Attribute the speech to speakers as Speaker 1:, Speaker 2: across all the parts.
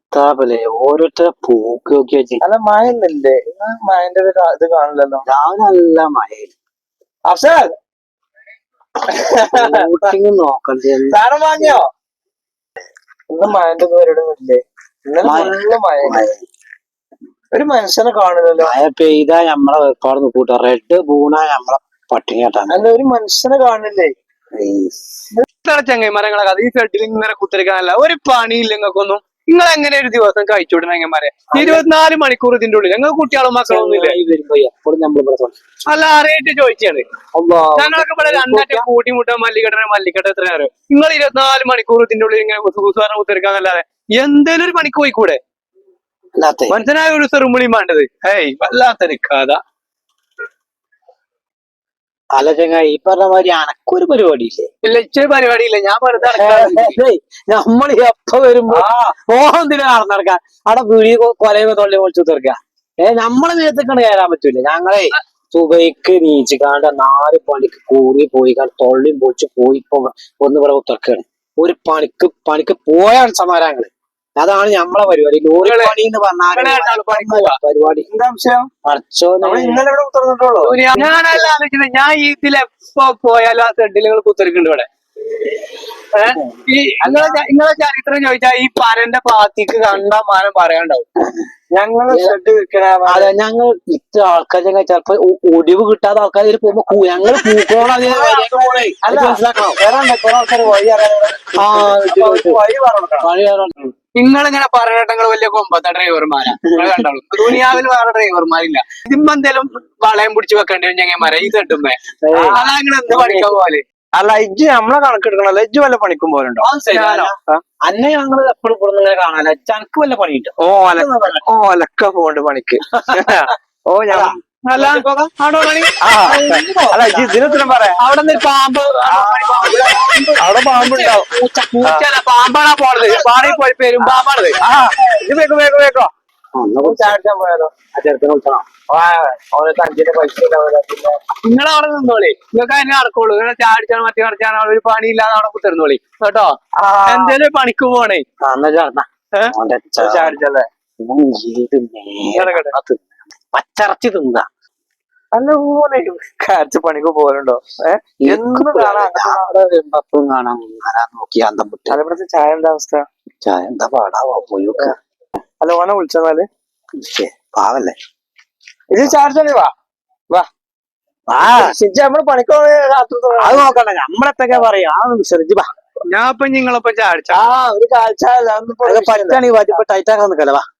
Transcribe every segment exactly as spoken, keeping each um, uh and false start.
Speaker 1: എത്താപല്ലേ ഓരോരുത്തരെ പോക്ക് നോക്കി വെച്ച്.
Speaker 2: അല്ല മഴന്നില്ലേ മഴന്റെ ഒരു ഇത് കാണില്ലല്ലോ.
Speaker 1: രാവിലെ നല്ല മഴ
Speaker 2: അഫ്സൽ
Speaker 1: നോക്കണ്ടേ
Speaker 2: സാധനം വാങ്ങിയോ? ഇന്ന് മഴന്റെ പരിപാടിയൊന്നുമില്ലേ? ഇന്നലെ മഴ ഒരു മനുഷ്യനെ കാണില്ലല്ലോ.
Speaker 1: മഴ പെയ്താ നമ്മളെ വേർപാട് കൂട്ടാ റെഡ് ബൂണാ നമ്മളെ പട്ടിണിയാട്ടാണ്.
Speaker 2: അല്ല ഒരു മനുഷ്യനെ കാണില്ലേ?
Speaker 3: ചങ്ങന്മാരെ കഥ ഈ ഷെഡിൽ ഇങ്ങനെ കുത്തിരിക്കാനല്ല ഒരു പണിയില്ല നിങ്ങൾക്കൊന്നും. നിങ്ങൾ എങ്ങനെ ഒരു ദിവസം കഴിച്ചുവിടുന്ന ചങ്ങന്മാരെ? ഇരുപത്തിനാല് മണിക്കൂർ ഇതിന്റെ ഉള്ളിൽ ഞങ്ങൾ കുട്ടികളും മക്കളൊന്നും ഇല്ല. അല്ല അറിയായിട്ട് ചോദിച്ചാണ്. ഞങ്ങളൊക്കെ ഇവിടെ രണ്ടാറ്റം കൂട്ടിമുട്ടാൻ മല്ലിക്കട്ട മല്ലിക്കട്ട എത്ര നേരം നിങ്ങൾ ഇരുപത്തിനാല് മണിക്കൂർ ഇതിന്റെ ഉള്ളിൽ ഇങ്ങനെ കുത്തുകുസാരം കുത്തിരിക്കാന്നല്ലാതെ എന്തേലും ഒരു പണിക്ക് പോയിക്കൂടെ? മനസ്സിനായ ഒരു സെറുമണിയും വേണ്ടത്. ഏയ് വല്ലാത്തൊരു കഥ.
Speaker 1: അല്ല ചങ്ങായി ഈ പറഞ്ഞ മാതിരി അനക്കൊരു പരിപാടിയില്ലേ?
Speaker 3: ഇല്ല ഇച്ചൊരു പരിപാടിയില്ല. ഞാൻ വെറുതെ
Speaker 1: നമ്മൾ എപ്പ വരുമ്പോ ഓന്തിനെ നടന്നടക്കാം അവിടെ വീടി കൊലയുമ്പോ തൊള്ളി പൊളിച്ചു തീർക്ക. ഏഹ് നമ്മളെ നേരത്തേക്കാണ് കയറാൻ പറ്റൂല. ഞങ്ങളെ സുബൈക്ക് നീച്ചിക്കാണ്ട് നാല് പണിക്ക് കൂടി പോയി തൊള്ളിയും പൊളിച്ച് പോയി ഇപ്പൊ ഒന്ന് ഇവിടെ ഉത്തർക്കാണ്. ഒരു പണിക്ക് പണിക്ക് പോയാണ് സമാരങ്ങള്. അതാണ് നമ്മളെ പരിപാടി. ലോറി പണി എന്ന് പറഞ്ഞാൽ പരിപാടി.
Speaker 2: ഇന്നലെ ഇവിടെ ഉത്തർന്നിട്ടുള്ളൂ.
Speaker 3: ഞാനല്ല ആലോചിക്കുന്നത്. ഞാൻ ഇതിലെപ്പോ പോയാലും ആ ഷെഡിലുകൾ കുത്തിരിക്കുന്നുണ്ട് ഇവിടെ. ഏഹ് ഈ നിങ്ങളെ നിങ്ങളെ ചരിത്രം ചോദിച്ചാൽ ഈ പരന്റെ പാത്തിക്ക് കണ്ടാ മാനം പറയാണ്ടാവും.
Speaker 2: ഞങ്ങള് ഷെഡ് വിൽക്കണ
Speaker 1: അതെ ഞങ്ങൾ ഇത്ര ആൾക്കാർ ഞങ്ങൾ ചിലപ്പോ ഒടിവ് കിട്ടാത്ത ആൾക്കാർ പോകുമ്പോ ഞങ്ങൾ പൂക്കോള മനസ്സിലാക്കണം.
Speaker 3: നിങ്ങളിങ്ങനെ പറയട്ടെ നിങ്ങൾ വലിയ കൊമ്പത്തെ ഡ്രൈവർമാരാ. നിങ്ങൾ കണ്ടോളൂ ദുനിയാവിൽ വേറെ ഡ്രൈവർമാരില്ല. ഇതിമ്പോ എന്തേലും വളയം പിടിച്ച് വെക്കേണ്ടി വരും ഞങ്ങന്മാരെ ഈ തട്ടുമ്പേ. അതാ നിങ്ങൾ എന്ത് പഠിക്കാൻ പോലെ.
Speaker 2: അല്ല ഇജ്ജ് നമ്മളെ കണക്കെടുക്കണല്ലോ. ഇജ്ജ് വല്ല പണിക്കും പോലുണ്ടോ?
Speaker 1: അന്നെ ഞങ്ങൾ എപ്പോഴും ഇവിടെ കാണാനോ ചനക്ക് വല്ല പണി കിട്ടും.
Speaker 2: ഓ അല ഓ അലക്ക പോണ്ട് പണിക്ക്. ഓ ഞാൻ
Speaker 3: അല്ല
Speaker 2: അല്ല ഇജ്ജ് ഇതിനെത്തിനും പറയാം.
Speaker 3: അവിടെ നിന്ന് പാമ്പ്
Speaker 2: അവിടെ പാമ്പുണ്ടാവും.
Speaker 3: പാമ്പാണാ പോണത്. പാടി പോയി പേരും പാമ്പാണത്.
Speaker 2: ആ ഇത് വേഗോ വേഗോ വേഗോ ചാടിച്ചാൻ പോയാലോ?
Speaker 1: ആ ചെറുക്കനെ വിളിച്ചോ.
Speaker 2: ഓനക്ക് അഞ്ചിന്റെ പൈസ ഉണ്ടാവില്ല. പിന്നെ
Speaker 3: നിങ്ങൾ അവിടെ നിന്നോളി. നിങ്ങൾക്ക് അതിനെ നടക്കുള്ളൂ. നിങ്ങൾ ചാടിച്ചാൽ മറ്റേ കളിച്ചാൽ ഒരു പണിയില്ലാതെ അവിടെ കുത്തിരുന്നോളി കേട്ടോ. എന്തേലും പണിക്ക് പോണേ
Speaker 2: ചാടിച്ചല്ലേ
Speaker 1: പച്ചറച്ചി തിന്ന.
Speaker 2: അല്ല പോലെ കാച്ച് പണിക്ക് പോലുണ്ടോ? ഏഹ് എന്നും കാണാൻ
Speaker 1: കാണാൻ നോക്കി അന്തം വിട്ട്.
Speaker 2: അതേപോലത്തെ ചായ എന്താ അവസ്ഥ?
Speaker 1: ചായ എന്താ പാടാവോ പോയി.
Speaker 2: അല്ല ഓനെ വിളിച്ചെന്നാല്
Speaker 1: പാവല്ലേ
Speaker 2: ഇത് ചാടിച്ചോളി. വാ വാ നമ്മള് പണിക്ക്
Speaker 1: അത് നോക്കണ്ട. നമ്മളെത്തൊക്കെ പറയാ വിശ്രമിച്ച് വാ.
Speaker 3: ഞാൻ ഇപ്പൊ നിങ്ങളൊപ്പം ചാടിച്ച
Speaker 2: ആ ഒരു കാഴ്ച
Speaker 1: പറ്റാണീ വാറ്റിപ്പോ ടൈറ്റാക്കാൻ നിക്കല്ലേ. വാ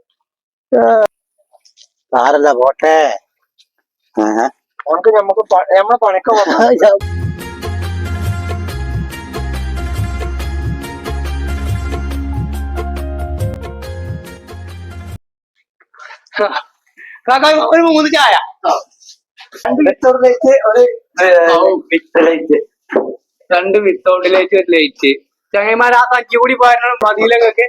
Speaker 1: സാരല്ല പോട്ടെ.
Speaker 2: നമുക്ക് നമുക്ക് നമ്മളെ പണിക്ക്
Speaker 3: ഒരു മൂന്ന് ചായ
Speaker 2: രണ്ട് വിത്തൗട്ട് ലൈറ്റ് ഒരു വിത്ത് ലൈറ്റ്
Speaker 3: രണ്ട് വിത്തൗട്ട് ലൈറ്റ് ഒരു ലൈറ്റ്. ചങ്ങന്മാർ ആ തക്കി കൂടി പോയാലും മതിയിലൊക്കെ.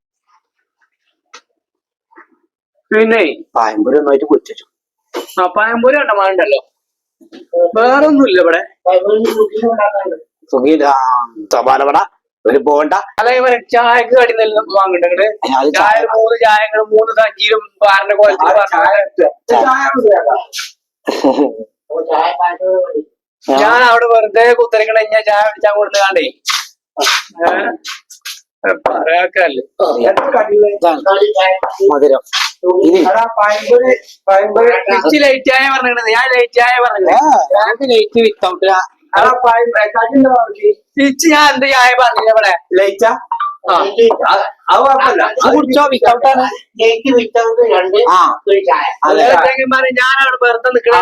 Speaker 3: പിന്നെ
Speaker 1: പായമ്പൂരി ഒന്നായിട്ട് പൊരിച്ചു.
Speaker 3: ആ പഴംപൊരി കണ്ടമാണ്ടല്ലോ. വേറൊന്നുമില്ല ഇവിടെ.
Speaker 1: സമാനപട ഒരു പോണ്ട.
Speaker 3: അല്ല ചായക്ക് കടി നെല്ലും വാങ്ങണ്ടേ? ചായ മൂന്ന് ചായകളും മൂന്ന് സഞ്ചിയിലും പാറിന്റെ കോലത്തിൽ ഞാൻ അവിടെ വെറുതെ കുത്തരിക്കണ ഞാൻ ചായ അടിച്ചാൻ കൊടുത്ത് കാണ്ടേ പറയാക്കല്ലേ
Speaker 1: മധുരം.
Speaker 3: ലൈറ്റ് ചായ പറഞ്ഞത്. ഞാൻ ലൈറ്റ് ചായ പറഞ്ഞത്.
Speaker 1: ലൈറ്റ് വിത്തൗട്ട്
Speaker 3: തിരിച്ച് ഞാൻ എന്ത് ചായ പറഞ്ഞില്ല ഇവിടെ.
Speaker 2: ലൈറ്റാ
Speaker 1: കുടിച്ചോ വിത്തൗട്ടാണ്.
Speaker 3: ഞാൻ അവിടെ വെറുതെ നിക്കണേ.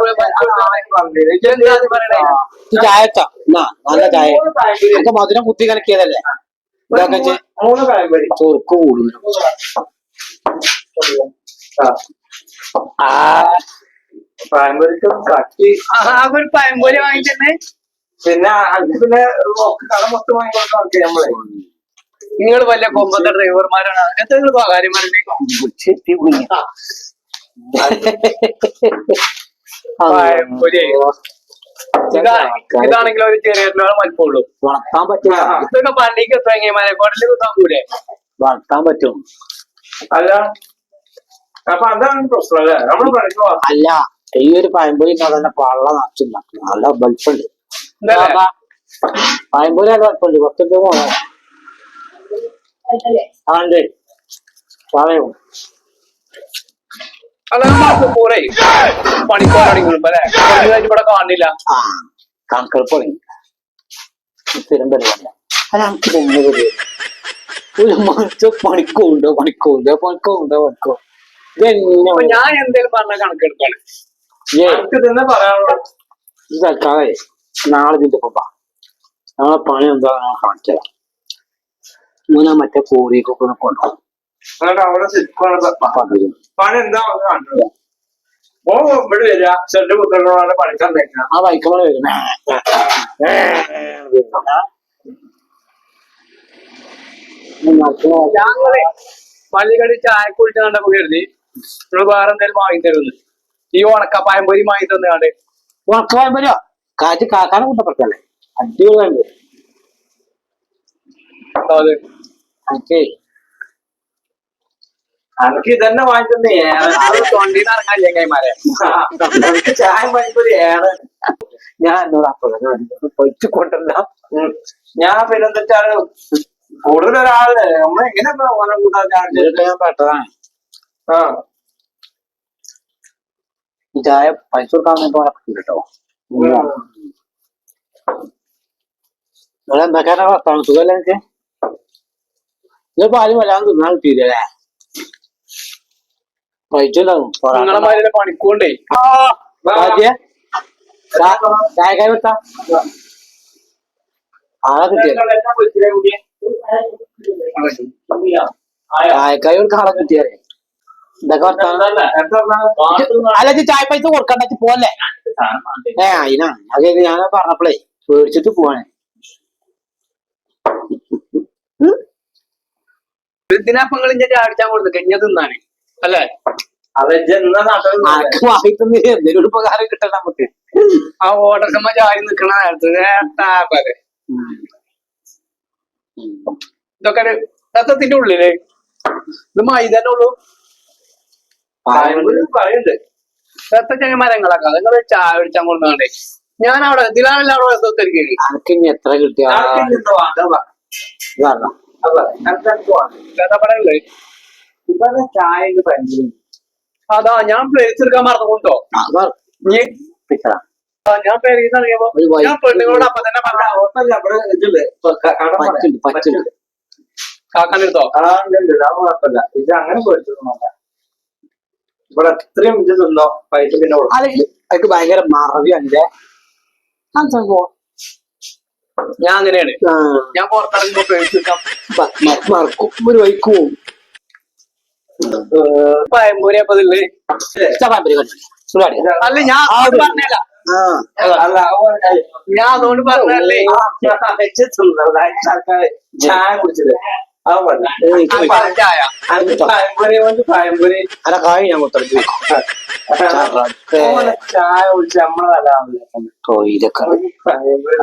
Speaker 1: ചായട്ടോ നല്ല ചായ. നമുക്ക് മധുരം കുത്തി കലക്കിയതല്ലേ.
Speaker 2: മൂന്ന് പഴംപൊരി
Speaker 1: ചൊറുക്ക് കൂടും.
Speaker 2: പഴംപൊരിക്ക് കട്ടി
Speaker 3: ഒരു പഴംപൊരി വാങ്ങിച്ചെന്നെ.
Speaker 2: പിന്നെ പിന്നെ കട മൊത്തം വാങ്ങിക്കൊടുക്കാൻ നമ്മളെ.
Speaker 3: നിങ്ങൾ വലിയ കൊമ്പത്തെ ഡ്രൈവർമാരാണ്. അങ്ങനത്തെ നിങ്ങൾ സ്വകാര്യമാരുടെ പഴംപൊരി ഇതാണെങ്കിലും ഒരു ചെറിയ മൽപ്പുള്ളൂ.
Speaker 1: വളർത്താൻ പറ്റില്ല.
Speaker 3: ഇതൊക്കെ പള്ളിക്ക് എത്രമാരെ കൊടല് കുത്താൻ കൂടെ.
Speaker 1: വളർത്താൻ പറ്റും.
Speaker 2: അല്ല അപ്പൊ അതാണ് പ്രശ്നം അല്ലേ നമ്മള് പഠിക്കുക
Speaker 1: അല്ല ഈ ഒരു പഴംപൊരി തന്നെ പള്ള നിറച്ചുണ്ടാക്കും. നല്ല വലിപ്പുണ്ട്. പഴംപൊരി നല്ല വലിപ്പുണ്ട്. പത്തൊമ്പത് പോകാം പറയൂ.
Speaker 3: അല്ല പോരെ പണിക്കോരാണ് അല്ലെ ഇവിടെ കാണില്ല.
Speaker 1: ആ കണക്കെടുപ്പണി സ്ഥിരം പരിപാടില്ല. അല്ല നമുക്ക് തന്നെ പരിപാടി ഒരു മാസം പണിക്കുണ്ടോ പണിക്കുണ്ടോ പണിക്കുണ്ടോ പണിക്കോ ഇതെന്നെ
Speaker 3: ഞാൻ എന്തേലും പറഞ്ഞ കണക്കെടുക്കാണ്.
Speaker 2: എനിക്ക് തന്നെ പറയാനുള്ളത്.
Speaker 1: ഇത് തൽക്കാലേ നാളെ ഇതിന്റെ ഒപ്പം നാളെ പണി എന്താ കാണിച്ചതാ. മൂന്നാ മറ്റേ കോറിയൊക്കെ കൊണ്ടുപോകും.
Speaker 2: എന്നിട്ട് അവിടെ ശരിക്കും പണി എന്താ കണ്ടത് ഓ ഇവിടെ വരിക ചെറിയ കുട്ടികളോട് പഠിക്കാൻ വെക്കണം.
Speaker 1: ആ വൈക്കോളെ വരുന്ന
Speaker 3: ഞങ്ങളെ പള്ളിക്കടി ചായ കുഴിച്ച് കണ്ടപ്പോ കരുതി നിങ്ങൾ വേറെ എന്തെങ്കിലും വാങ്ങി തരുന്നു. ഈ ഉണക്കപ്പായം പൊരി വാങ്ങി തന്നാണ്ട്
Speaker 1: ഉണക്കപ്പായം വരുമോ കാറ്റ് കാക്കാനെ കൂട്ടപ്പെട്ടല്ലേ അടിപൊളിയുണ്ട്.
Speaker 3: അത്
Speaker 1: എനിക്ക്
Speaker 2: എനിക്ക് ഇതന്നെ വാങ്ങിത്തന്നെ
Speaker 3: തൊണ്ടീന്ന് ഇറങ്ങാല്ലേ കൈമാരെ.
Speaker 2: എനിക്ക് ചായ വാങ്ങിക്കൊരു ഏറെ.
Speaker 1: ഞാൻ എന്നോട് അപ്പൊ പൊയ്ച്ചു കൊണ്ടല്ല.
Speaker 2: ഞാൻ പിന്നെന്താ വെച്ചാല് കൂടുതൽ ഒരാള് നമ്മൾ എങ്ങനെ ഓനെ കൂട്ടാൻ
Speaker 1: ഞാൻ പെട്ടതാണ്.
Speaker 2: ആ
Speaker 1: ഈ ചായ പൈസ കൊടുക്കാൻ കേട്ടോ. എന്തൊക്കെയാണ് വർത്താനം സുഖമല്ല എനിക്ക്. ഇത് പാലും വല്ലാതെ തിന്നാൻ കിട്ടിയില്ലേ പൈച്ചുണ്ടാവും.
Speaker 3: നിങ്ങളെ മാതിരി പണിക്കൂണ്ടേ
Speaker 1: ചായക്കാരി വെത്താ ആളെ കിട്ടിയ ചായക്കാരി ഒരു ആളെ കിട്ടിയാലേ ഇതൊക്കെ വർത്താനം. അല്ല ചായ പൈസ കൊടുക്കണ്ട പോവല്ലേ. ഏ അതിനാണ് അത് ഞാൻ പറഞ്ഞപ്പോഴേ പേടിച്ചിട്ട് പോവാണേ.
Speaker 3: ഇതിനപ്പങ്ങൾ ഇഞ്ഞ ചാടിച്ചാൻ കൊടുത്തു കഴിഞ്ഞ തിന്നാണ് അല്ലേ.
Speaker 1: ആർക്ക് വാങ്ങിത്തന്നെ എന്തെങ്കിലും ഉപകാരം കിട്ടണം നമുക്ക്.
Speaker 3: ആ ഓടക്കമ്മ ചാടി നിക്കണ നേരത്ത് ഇതൊക്കെ ഒരു രസത്തിന്റെ ഉള്ളില് ഇത് മൈതന്നെ ഉള്ളൂ.
Speaker 2: പറയുന്നുണ്ട്
Speaker 3: രത്ത ചങ്ങന്മാരങ്ങളൊക്കെ നിങ്ങൾ ചായ പിടിച്ചാൻ കൊടുക്കാണ്ടേ ഞാൻ അവിടെ ഇതിലാണല്ലോ അവിടെ രസത്തിരിക്കുന്നത്.
Speaker 1: അനക്ക് ഇനി എത്ര കിട്ടിയ
Speaker 2: ചായ ഭയങ്കര
Speaker 3: അതാ ഞാൻ പ്ലേസ് എടുക്കാൻ മറന്നുകൊണ്ടോ. ഞാൻ പേരീന്ന് ഇറങ്ങിയപ്പോ ഞാൻ പെണ്ണുങ്ങളോട് അപ്പൊ തന്നെ പറഞ്ഞ കാക്കാനെടുത്തോ
Speaker 2: കുഴപ്പമില്ല. ഇത് അങ്ങനെ പോയിട്ട് ഇവിടെ എത്രയും ഇത് തിന്നോ പൈസ പിന്നെ
Speaker 1: അതൊക്കെ ഭയങ്കര മറവിയുണ്ട്.
Speaker 3: ഞാൻ അങ്ങനെയാണ്. ഞാൻ പുറത്തിറങ്ങുമ്പോ പേഴ്സ് എടുക്കാം
Speaker 1: മറക്കും ഒരു വൈക്ക് പോവും.
Speaker 3: പയമ്പൂരി അപ്പൊ ഇതില്ലേ അല്ല ഞാൻ പറഞ്ഞല്ല
Speaker 2: അല്ല
Speaker 3: ഞാൻ അതുകൊണ്ട് പറഞ്ഞല്ലേ
Speaker 2: ചായ കുടിച്ചത്
Speaker 3: ചായ
Speaker 2: പയമ്പൂരി കൊണ്ട് പയമ്പൂരി
Speaker 1: അല്ല കായ് ഞാൻ കൊടുത്തു
Speaker 2: ചായ കുടിച്ച് നമ്മളല്ല
Speaker 1: തൊയിലൊക്കെ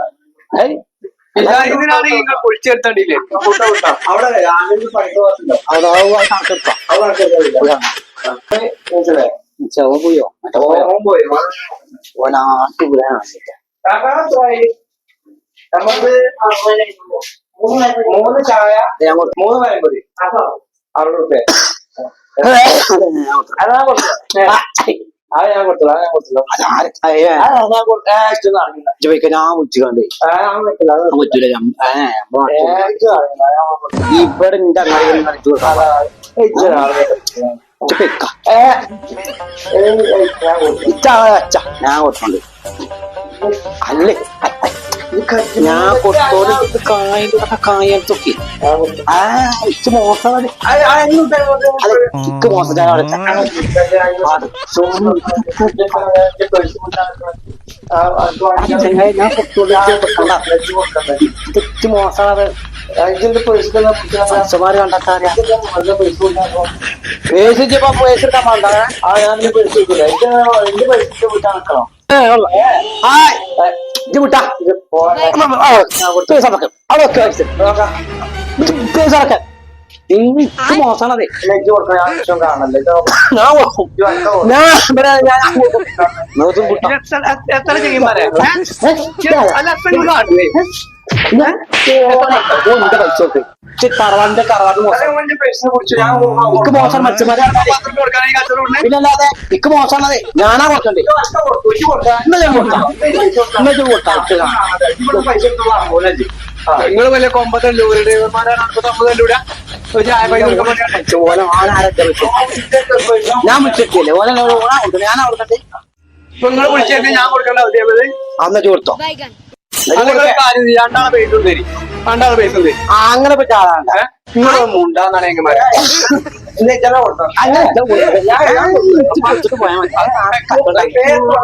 Speaker 3: ഇതിനാണ് നിങ്ങൾ പൊളിച്ചെടുത്തണ്ടില്ലേ
Speaker 2: അവിടെ ആണെങ്കിൽ പണിക്ക് പോകത്തുണ്ടോ
Speaker 1: ചെവ പോയോ
Speaker 2: പോയി
Speaker 1: ഓനാട്ടി വിടാൻ
Speaker 2: നമുക്ക് മൂന്ന് ചായ മൂന്ന് പയമ്പൊരി അറുപത് റുപ്യ അതാ കൊടുത്തു അത് ഞാൻ കൊടുത്തു അത് ഞാൻ കൊടുത്തു
Speaker 1: ഞാൻ വിളിച്ചുകൊണ്ട് പറ്റൂല ഇവിടെ എന്റെ അങ്ങനെ കളിച്ചു ഞാൻ കൊടുത്തോണ്ട് അല്ലേ ഞാൻ കൊടുത്തോണ്ട് കായ കായൊക്കെ ആ ഇച്ച് മോശം ഇക്ക് മോശം ഞാൻ അവിടെ ഞാൻ ഇച്ച് മോശമാണ് മനുഷ്യന്മാര് കണ്ടാക്കാറിയാ പേശിച്ചപ്പോ പേശെടുക്കാൻ വേണ്ട ആ ഞാൻ പേശി വെക്കില്ല എന്റെ പൈസ വിട്ടാ നിക്കണോ ഇത് വിട്ടാ പേസറക്കാൻ അവിടെ പേസറക്കാൻ എനിക്ക് മോശമാണതേ
Speaker 2: നെഞ്ച് കൊടുക്കാൻ ഞാൻ വിഷയം കാണണല്ലേ
Speaker 1: ഞാൻ കൊടുക്കും. ഞാൻ ഇവിടെ ഞാൻ നോക്കും കുട്ടാ.
Speaker 3: എത്ര എത്ര ചെയ്യുമാരെ അല്ല എത്ര നിങ്ങൾ കാട്ടുവേ
Speaker 1: എന്റെ പൈസ നോക്ക് തറവാടിന്റെ തറവാട് മോശം
Speaker 2: പൈസ കുറിച്ച് ഞാൻ
Speaker 1: എനിക്ക് മോശം മത്സ്യമാരെ
Speaker 3: പത്രം കൊടുക്കാൻ ഈ കച്ചവടം
Speaker 1: പിന്നല്ലാതെ എനിക്ക് മോശമാണതേ ഞാനാ കൊടുക്കണ്ടേ ഇന്ന് ഞാൻ കൊടുക്കാം ഇന്ന് ഞാൻ കൊടുക്കാം
Speaker 2: പൈസ
Speaker 3: നിങ്ങൾ വലിയ കൊമ്പത്തല്ലു ഒരു ഡ്രൈവർമാരാണ് അമ്പത്തല്ലൂടെ ഒരു ചായ പൈസ കൊടുക്കാൻ വേണ്ടി
Speaker 1: ഓല ആരാരൊക്കെ ഞാൻ വിളിച്ചിട്ടില്ലേ ഓല ഓണാ കൊടുക്കണ്ടേ ഞാനാ കൊടുക്കണ്ടേ
Speaker 3: ഇപ്പൊ നിങ്ങൾ വിളിച്ചേക്ക് ഞാൻ കൊടുക്കേണ്ട അവധിയായത്
Speaker 1: അന്ന് കൊടുത്തോ
Speaker 3: അല്ലെങ്കിൽ കാര്യം ചെയ്യ്. രണ്ടാളെ പൈസ തരി രണ്ടാളെ പൈസ തരി
Speaker 1: ആ, അങ്ങനെ പറ്റ ആളാണ്
Speaker 3: നിങ്ങൾ മുണ്ടാന്നാണ് എങ്ങനെ
Speaker 1: അങ്ങനെ ഞാൻ കൊടുത്തിട്ട് പോയാൽ മതി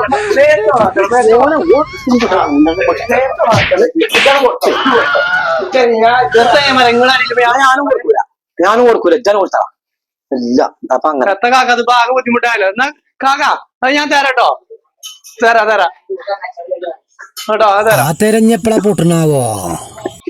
Speaker 1: ഞാനും കൊടുക്കൂല ഞാനും കൊടുക്കൂല ഇജ്ജാനും കൊടുത്താ ഇല്ല അപ്പൊ അങ്ങനെ
Speaker 3: എത്ര കാക്ക അത് ആകെ ബുദ്ധിമുട്ടായല്ലോ എന്നാ കാക്ക അത് ഞാൻ തരാട്ടോ തരാ തരാ കേട്ടോ അത് തരാം
Speaker 4: ആ തെരഞ്ഞെപ്പളാ പൊട്ടണാവോ